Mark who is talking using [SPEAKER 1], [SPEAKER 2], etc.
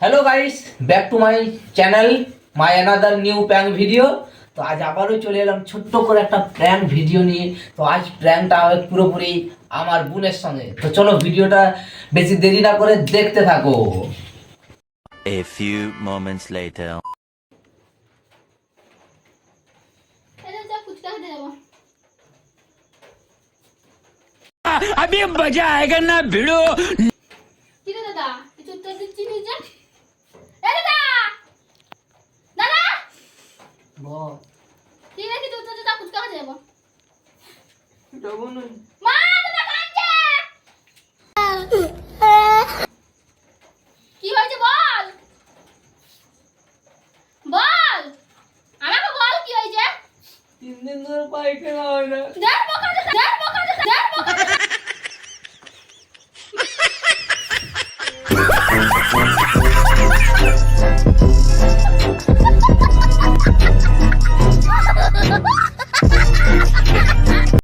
[SPEAKER 1] Hello guys, back to my channel, my another new prank video. তো আজ আবারও চলে এলাম ছোট্ট করে একটা প্র্যাঙ্ক ভিডিও নিয়ে। তো আজ প্র্যাঙ্কটা হবে পুরোপুরি আমার বোনের সঙ্গে। তো চলো ভিডিওটা বেশি দেরি না করে দেখতে থাকো।
[SPEAKER 2] A few moments later. अभी मजा आएगा ना भिड़ो।
[SPEAKER 3] কি রে দাদা কিছু উত্তর দিচ্ছি নি যে এ দাদা দাদা
[SPEAKER 1] বল
[SPEAKER 3] কি রে কিছু উত্তর দিতা ফুচকা খেতে যাবো
[SPEAKER 1] যাবো না।
[SPEAKER 3] মা দাদা কাঁদছে কি হয়েছে বল বল আমাকে বল কি হয়েছে
[SPEAKER 1] 3 দিন ধরে পায়খানা হয় না।
[SPEAKER 3] দেখ বকা দে দেখ বকা দে দেখ বকা দে